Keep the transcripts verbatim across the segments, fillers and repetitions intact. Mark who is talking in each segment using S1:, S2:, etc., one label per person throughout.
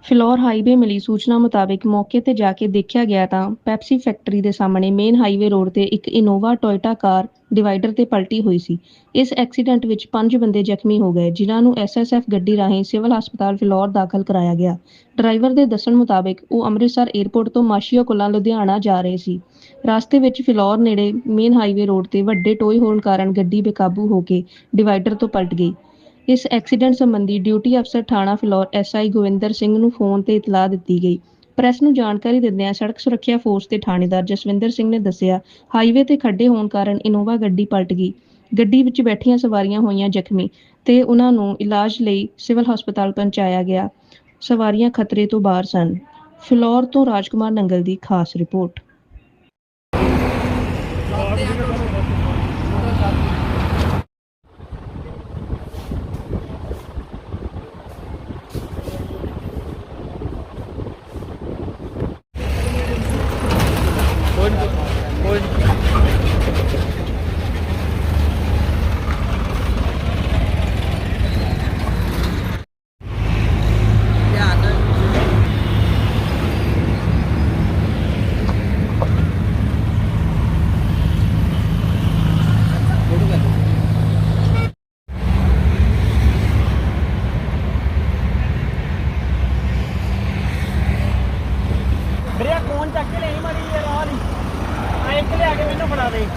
S1: Phillaur highway ਮਿਲੀ ਸੂਚਨਾ ਮੁਤਾਬਿਕ ਮੌਕੇ ਤੇ ਜਾ ਕੇ ਦੇਖਿਆ ਗਿਆ ਤਾਂ ਪੈਪਸੀ ਫੈਕਟਰੀ ਦੇ ਸਾਹਮਣੇ ਮੇਨ ਹਾਈਵੇ ਰੋਡ ਤੇ ਇੱਕ ਇਨੋਵਾ ਟੋਇਟਾ ਕਾਰ ਡਿਵਾਈਡਰ ਤੇ ਪਲਟੀ ਹੋਈ ਸੀ। ਇਸ ਐਕਸੀਡੈਂਟ ਵਿੱਚ ਪੰਜ ਬੰਦੇ ਜ਼ਖਮੀ ਹੋ ਗਏ, ਜਿਨ੍ਹਾਂ ਨੂੰ ਐਸ ਐਸ ਐਫ ਗੱਡੀ ਰਾਹੀਂ ਸਿਵਲ ਹਸਪਤਾਲ ਫਿਲੌਰ ਦਾਖਲ ਕਰਾਇਆ ਗਿਆ। ਡਰਾਈਵਰ ਦੇ ਦੱਸਣ ਮੁਤਾਬਿਕ ਉਹ ਅੰਮ੍ਰਿਤਸਰ ਏਅਰਪੋਰਟ ਤੋਂ ਮਾਸ਼ੀਓ ਕੋਲਾਂ ਲੁਧਿਆਣਾ ਜਾ ਰਹੇ ਸੀ। ਰਸਤੇ ਵਿੱਚ ਫਿਲੌਰ ਨੇੜੇ ਮੇਨ ਹਾਈਵੇ ਰੋਡ ਤੇ ਵੱਡੇ ਟੋਏ ਹੋਣ ਕਾਰਨ ਗੱਡੀ ਬੇਕਾਬੂ ਹੋ ਕੇ ਡਿਵਾਈਡਰ ਤੋਂ ਪਲਟ ਗਈ। ਇਸ ਐਕਸੀਡੈਂਟ ਸੰਬੰਧੀ ਡਿਊਟੀ ਅਫਸਰ ਥਾਣਾ ਫਿਲੌਰ ਐਸ ਆਈ ਗੋਵਿੰਦਰ ਸਿੰਘ ਨੂੰ ਫੋਨ ਤੇ ਇਤਲਾਹ ਦਿੱਤੀ ਗਈ। ਪ੍ਰੈਸ ਨੂੰ ਜਾਣਕਾਰੀ ਦਿੰਦਿਆਂ ਸੜਕ ਸੁਰੱਖਿਆ ਫੋਰਸ ਦੇ ਥਾਣੇਦਾਰ ਜਸਵਿੰਦਰ ਸਿੰਘ ਨੇ ਦੱਸਿਆ, ਹਾਈਵੇ ਤੇ ਖੱਡੇ ਹੋਣ ਕਾਰਨ ਇਨੋਵਾ ਗੱਡੀ ਪਲਟ ਗਈ। ਗੱਡੀ ਵਿੱਚ ਬੈਠੀਆਂ ਸਵਾਰੀਆਂ ਹੋਈਆਂ ਜ਼ਖਮੀ ਤੇ ਉਹਨਾਂ ਨੂੰ ਇਲਾਜ ਲਈ ਸਿਵਲ ਹਸਪਤਾਲ ਪਹੁੰਚਾਇਆ ਗਿਆ। ਸਵਾਰੀਆਂ ਖਤਰੇ ਤੋਂ ਬਾਹਰ ਸਨ। ਫਿਲੌਰ ਤੋਂ ਰਾਜਕੁਮਾਰ ਨੰਗਲ ਦੀ ਖਾਸ ਰਿਪੋਰਟ।
S2: ਵੀਰੇ ਫੋਨ ਚੱਕ ਕੇ ਲਈ ਮਾੜੀ ਯਾਰ ਆ ਨਹੀਂ ਆ ਇੱਕ ਲਿਆ ਕੇ ਮੈਨੂੰ ਫੜਾ ਦੇ।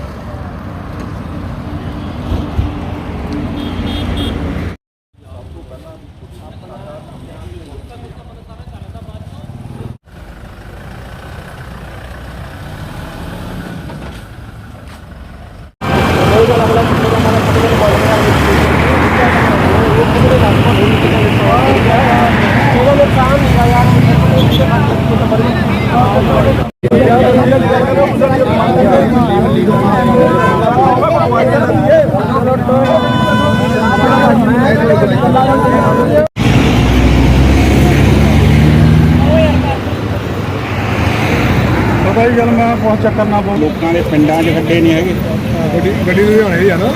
S3: भाई चल मैं बहुत चक्कर ना बोल लोगों के पिंडा च खड्डे नहीं है गड्डी गड्डी लुधियाने ही है ना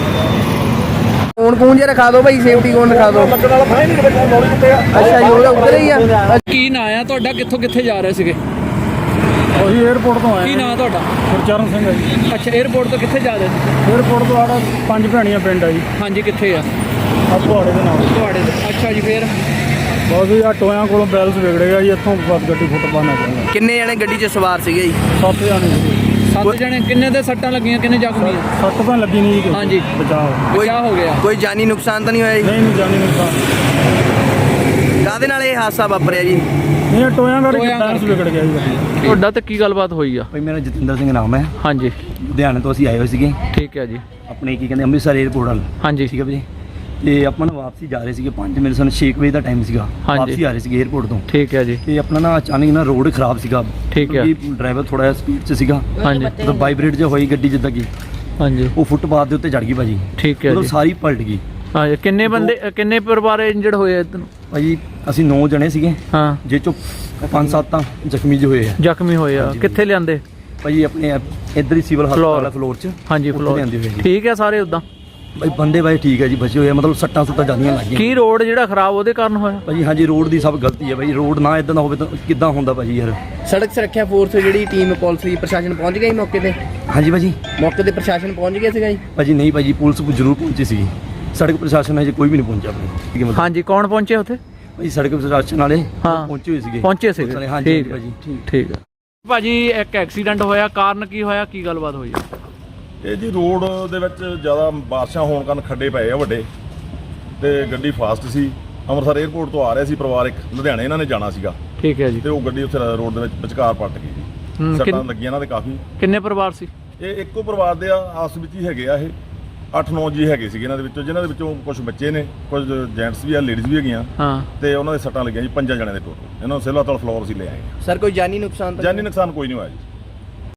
S4: फोन फोन जे रखा दो भाई सेफ्टी कोड रखा दो। अच्छा जी ਉਹਦਾ ਉੱਧਰ ਹੀ ਆ।
S5: ਕੀ ਨਾਂ ਆ ਤੁਹਾਡਾ, ਕਿੱਥੋਂ ਕਿੱਥੇ ਜਾ ਰਹੇ ਸੀਗੇ?
S3: ਉਹੀ 에어ਪੋਰਟ ਤੋਂ ਆਏ।
S5: ਕੀ ਨਾਂ ਤੁਹਾਡਾ?
S3: ਗੁਰਚਰਨ ਸਿੰਘ ਹੈ ਜੀ।
S5: ਅੱਛਾ, 에어ਪੋਰਟ ਤੋਂ ਕਿੱਥੇ ਜਾ ਰਹੇ ਸੀ?
S3: 에어ਪੋਰਟ ਤੋਂ ਆੜਾ ਪੰਜ ਭੈਣੀਆਂ ਪਿੰਡ ਆ ਜੀ।
S5: ਹਾਂਜੀ, ਕਿੱਥੇ ਆ?
S3: ਆ ਤੁਹਾਡੇ ਦੇ ਨਾਲ
S5: ਤੁਹਾਡੇ ਤੋਂ। ਅੱਛਾ ਜੀ, ਫੇਰ
S3: ਬਸ ਜੀ ਆ ਟੋਇਆਂ ਕੋਲੋਂ ਬੈਲਸ ਵਿਗੜ ਗਿਆ ਜੀ। ਇੱਥੋਂ ਬਸ ਗੱਡੀ ਫੁੱਟ ਪਾਣਾ ਚਾਹੁੰਦਾ।
S4: ਕਿੰਨੇ ਜਣੇ ਗੱਡੀ 'ਚ ਸਵਾਰ ਸੀਗੇ ਜੀ?
S3: ਸੱਤ ਜਾਣੇ ਸੀ।
S5: ਸੱਤ ਜਣੇ। ਕਿੰਨੇ ਦੇ ਸੱਟਾਂ ਲੱਗੀਆਂ, ਕਿੰਨੇ ਜ਼ਖਮੀ ਆ?
S3: ਸੱਟ ਤਾਂ ਲੱਗੀ ਨਹੀਂ ਜੀ।
S5: ਹਾਂਜੀ,
S3: ਬਚਾਓ।
S4: ਕੋਈ
S5: ਕੀ ਹੋ ਗਿਆ?
S4: ਕੋਈ ਜਾਨੀ ਨੁਕਸਾਨ ਤਾਂ ਨਹੀਂ ਹੋਇਆ ਜੀ?
S3: ਨਹੀਂ ਨਹੀਂ ਜਾਨੀ ਨੁਕਸਾਨ।
S4: ਕਾਹਦੇ ਨਾਲ ਇਹ ਹਾਦਸਾ ਵਾਪਰਿਆ ਜੀ?
S3: ਇਹ ਟੋਇਆਂ ਕਰਕੇ ਬੈਲਸ ਵਿਗੜ ਗਿਆ ਜੀ।
S5: ਤੁਹਾਡਾ ਤੇ ਕੀ ਗੱਲਬਾਤ ਹੋਈ ਆ?
S6: ਭਾਈ ਮੇਰਾ ਜਤਿੰਦਰ ਸਿੰਘ ਨਾਮ ਹੈ।
S5: ਹਾਂਜੀ,
S6: ਲੁਧਿਆਣੇ ਤੋਂ ਅਸੀਂ ਆਏ ਹੋਏ ਸੀਗੇ।
S5: ਠੀਕ ਹੈ ਜੀ।
S6: ਆਪਣੇ ਕੀ ਕਹਿੰਦੇ ਅੰਮ੍ਰਿਤਸਰ ਏਅਰਪੋਰਟ ਵੱਲ।
S5: ਹਾਂਜੀ,
S6: ਠੀਕ ਹੈ ਜੀ। ਤੇ ਆਪਾਂ ਨਾ ਵਾਪਸੀ ਜਾ ਰਹੇ ਸੀਗੇ ਪੰਜ ਮੇਰੇ ਸਾਨੂੰ ਛੇ ਵਜੇ ਦਾ ਟਾਈਮ ਸੀਗਾ। ਵਾਪਸੀ ਆ ਰਹੇ ਸੀਗੇ ਏਅਰਪੋਰਟ ਤੋਂ।
S5: ਠੀਕ ਹੈ ਜੀ।
S6: ਤੇ ਆਪਣਾ ਨਾ ਅਚਾਨਕ ਨਾ ਰੋਡ ਖਰਾਬ ਸੀਗਾ।
S5: ਠੀਕ ਹੈ।
S6: ਡਰਾਈਵਰ ਥੋੜਾ ਜਿਹਾ ਸਪੀਡ 'ਚ ਸੀਗਾ।
S5: ਹਾਂਜੀ,
S6: ਮਤਲਬ ਵਾਈਬ੍ਰੇਟ ਜਿਹਾ ਹੋਈ ਗੱਡੀ ਜਿੱਦਾਂ ਕਿ
S5: ਹਾਂਜੀ,
S6: ਉਹ ਫੁੱਟਪਾਥ ਦੇ ਉੱਤੇ ਚੜ ਗਈ ਭਾਜੀ।
S5: ਠੀਕ ਹੈ
S6: ਮਤਲਬ
S5: ਜੀ।
S6: ਸਾਰੀ ਪਲਟ ਗਈ।
S5: ਹਾਂਜੀ, ਕਿੰਨੇ ਬੰਦੇ, ਕਿੰਨੇ ਪਰਿਵਾਰ ਇੰਜਰਡ ਹੋਏ ਆ?
S6: ਭਾਜੀ ਅਸੀਂ ਨੌ ਜਣੇ ਸੀਗੇ,
S5: ਹਾਂ,
S6: ਜੇ ਚੋਂ ਪੰਜ ਸੱਤ ਤਾਂ ਜ਼ਖਮੀ ਜਿਹੇ ਹੋਏ ਆ।
S5: ਜ਼ਖਮੀ ਹੋਏ ਆ। ਕਿੱਥੇ ਲਿਆਂਦੇ?
S6: ਭਾਜੀ ਆਪਣੇ ਇੱਧਰ ਹੀ ਸਿਵਲ ਹਸਪਤਾਲ ਫਲੋਰ 'ਚ।
S5: ਹਾਂਜੀ,
S6: ਉੱਥੇ
S5: ਫਲੋਰ।
S6: ਲਿਆਂਦੇ ਹੋਏ ਜੀ।
S5: ਠੀਕ ਹੈ ਸਾਰੇ ਉਦਾਂ?
S6: ਭਾਈ ਬੰਦੇ ਬਾਈ ਠੀਕ ਹੈ ਜੀ, ਬਚੇ ਹੋਏ ਆ। ਮਤਲਬ ਸੱਟਾਂ ਸੁੱਟਾਂ ਜਾਂਦੀਆਂ ਲੱਗੀਆਂ।
S5: ਕੀ ਰੋਡ ਜਿਹੜਾ ਖਰਾਬ ਉਹਦੇ ਕਾਰਨ ਹੋਇਆ?
S6: ਭਾਜੀ ਹਾਂਜੀ, ਰੋਡ ਦੀ ਸਭ ਗਲਤੀ ਹੈ ਭਾਜੀ। ਰੋਡ ਨਾ ਇਦਾਂ ਦਾ ਹੋਵੇ ਤਾਂ ਕਿੱਦਾਂ ਹੁੰਦਾ ਭਾਜੀ ਯਾਰ।
S4: ਸੜਕ ਸੁਰੱਖਿਆ ਫੋਰਸ ਜਿਹੜੀ ਟੀਮ ਪੁਲਿਸ ਦੀ ਪ੍ਰਸ਼ਾਸਨ ਪਹੁੰਚ ਗਿਆ ਜੀ ਮੌਕੇ ਤੇ?
S6: ਹਾਂਜੀ ਭਾਜੀ।
S4: ਮੌਕੇ ਤੇ ਪ੍ਰਸ਼ਾਸਨ ਪਹੁੰਚ ਗਿਆ ਸੀਗਾ ਜੀ?
S6: ਭਾਜੀ ਨਹੀਂ ਭਾਜੀ, ਪੁਲਿਸ ਜ਼ਰੂਰ ਪਹੁੰਚੀ ਸੀਗੀ। ਸੜਕ ਪ੍ਰਸ਼ਾਸਨ ਹਜੇ ਕੋਈ ਵੀ ਨਹੀਂ ਪਹੁੰਚਿਆ ਭਾਜੀ। ਠੀਕ ਹੈ ਮਤਲਬ।
S5: ਹਾਂਜੀ, ਕੌਣ ਪਹੁੰਚੇ ਉੱਥੇ?
S6: ਭਾਜੀ ਸੜਕ ਪ੍ਰਸ਼ਾਸਨ ਵਾਲੇ
S5: ਹਾਂ
S6: ਪਹੁੰਚੇ ਹੋਏ ਸੀਗੇ।
S5: ਪਹੁੰਚੇ ਸੀਗੇ।
S6: ਹਾਂਜੀ
S5: ਠੀਕ
S6: ਭਾਜੀ।
S5: ਠੀਕ ਹੈ ਭਾਜੀ। ਇੱਕ ਐਕਸੀਡੈਂਟ ਹੋਇਆ, ਕਾਰਨ ਕੀ ਹੋਇਆ, ਕੀ ਗੱਲਬਾਤ ਹੋਈ?
S7: ਇਹ ਜੀ ਰੋਡ ਦੇ ਵਿੱਚ ਜ਼ਿਆਦਾ ਬਾਰਿਸ਼ਾਂ ਹੋਣ ਕਾਰਨ ਖੱਡੇ ਪਏ ਆ ਵੱਡੇ, ਤੇ ਗੱਡੀ ਫਾਸਟ ਸੀ। ਅੰਮ੍ਰਿਤਸਰ 에ਅਰਪੋਰਟ ਤੋਂ ਆ ਰਿਹਾ ਸੀ ਪਰਿਵਾਰ ਇੱਕ, ਲੁਧਿਆਣੇ ਇਹਨਾਂ ਨੇ ਜਾਣਾ ਸੀਗਾ।
S5: ਠੀਕ ਹੈ ਜੀ।
S7: ਤੇ ਉਹ ਗੱਡੀ ਉੱਥੇ ਰੋਡ ਦੇ ਵਿੱਚ ਵਿਚਕਾਰ ਪਲਟ ਗਈ ਜੀ। ਸੱਟਾਂ ਲੱਗੀਆਂ ਇਹਨਾਂ ਦੇ ਕਾਫੀ।
S5: ਕਿੰਨੇ ਪਰਿਵਾਰ ਸੀ
S7: ਇਹ? ਇੱਕੋ ਪਰਿਵਾਰ ਦੇ ਆ, ਆਪਸ ਵਿੱਚ ਹੀ ਹੈਗੇ ਆ। ਇਹ ਅੱਠ ਨੌ ਜੀ ਹੈਗੇ ਸੀਗੇ ਇਹਨਾਂ ਦੇ ਵਿੱਚੋਂ, ਜਿਨ੍ਹਾਂ ਦੇ ਵਿੱਚੋਂ ਕੁਝ ਬੱਚੇ ਨੇ, ਕੁਝ ਜੈਂਟਸ ਵੀ ਆ, ਲੇਡੀਜ਼ ਵੀ ਹੈਗੀਆਂ।
S5: ਹਾਂ, ਤੇ
S7: ਉਹਨਾਂ ਦੇ ਸੱਟਾਂ ਲੱਗੀਆਂ ਜੀ ਪੰਜਾਂ ਜਣਿਆਂ ਦੇ ਟੋਟਲ। ਇਹਨਾਂ ਨੂੰ ਸਿਵਲ ਹਸਪਤਾਲ ਫਲੋਰ ਅਸੀਂ ਲੈ ਆਏ।
S4: ਸਰ ਕੋਈ ਜਾਨੀ ਨੁਕਸਾਨ ਤਾਂ?
S7: ਜਾਨੀ ਨੁਕਸਾਨ ਕੋਈ ਨਹੀਂ ਹੋਇਆ ਜੀ।